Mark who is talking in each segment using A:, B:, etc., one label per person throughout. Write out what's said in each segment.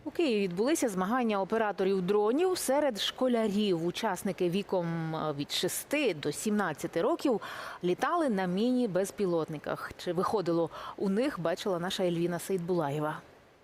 A: У Києві відбулися змагання операторів дронів серед школярів. Учасники віком від 6 до 17 років літали на міні-безпілотниках. Чи виходило у них, бачила наша Ельвіна Сейдбулаєва.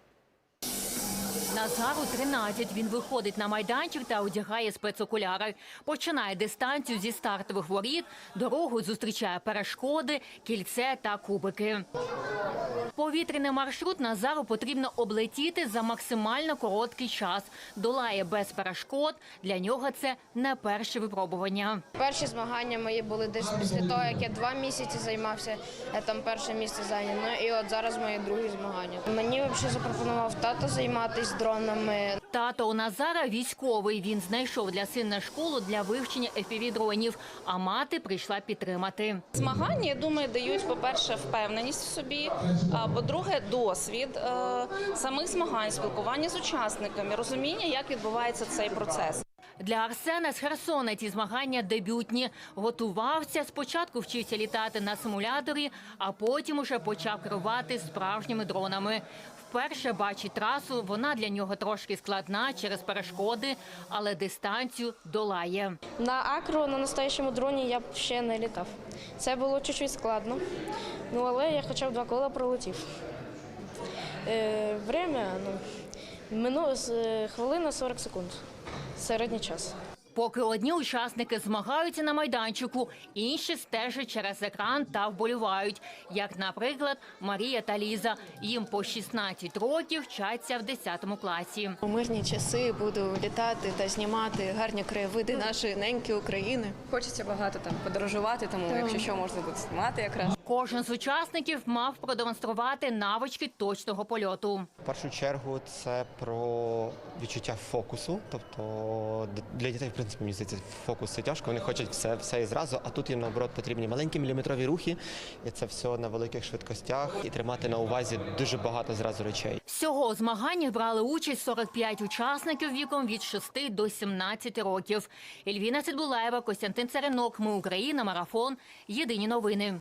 B: Назару 13. Він виходить на майданчик та одягає спецокуляри. Починає дистанцію зі стартових воріт, дорогу зустрічає перешкоди, кільце та кубики. Повітряний маршрут Назару потрібно облетіти за максимально короткий час. Долає без перешкод. Для нього це не перше випробування.
C: Перші змагання мої були десь після того, як я 2 місяці займався, я там перше місце зайняв. Ну і от зараз мої другі змагання. Мені взагалі запропонував тато займатися дронами.
B: Тато у Назара військовий. Він знайшов для сина школу для вивчення FPV-дронів, а мати прийшла підтримати.
D: Змагання, я думаю, дають, по-перше, впевненість в собі, а по-друге, досвід самих змагань, спілкування з учасниками, розуміння, як відбувається цей процес.
B: Для Арсена з Херсона ці змагання дебютні. Готувався, спочатку вчився літати на симуляторі, а потім уже почав керувати справжніми дронами. Вперше бачить трасу, вона для нього трошки складна через перешкоди, але дистанцію долає.
C: На акро, на настоящому дроні я б ще не літав. Це було чуть-чуть складно, але я хоча б 2 кола пролетів. Время, хвилина 40 секунд. Середній час.
B: Поки одні учасники змагаються на майданчику, інші стежать через екран та вболівають. Як, наприклад, Марія та Ліза. Їм по 16 років, вчаться в 10 класі.
E: У мирні часи буду літати та знімати гарні краєвиди нашої неньки України.
F: Хочеться багато там подорожувати, тому якщо що, можна буде знімати якраз.
B: Кожен з учасників мав продемонструвати навички точного польоту.
G: В першу чергу це про відчуття фокусу, тобто для дітей, в принципі, мені здається, фокус це тяжко, вони хочуть все і зразу, а тут їм, наоборот, потрібні маленькі міліметрові рухи, і це все на великих швидкостях, і тримати на увазі дуже багато зразу речей.
B: Всього у змаганнях брали участь 45 учасників віком від 6 до 17 років. Ельвіна Сейдбулаєва, Костянтин Царинок, Ми Україна, Марафон. Єдині новини.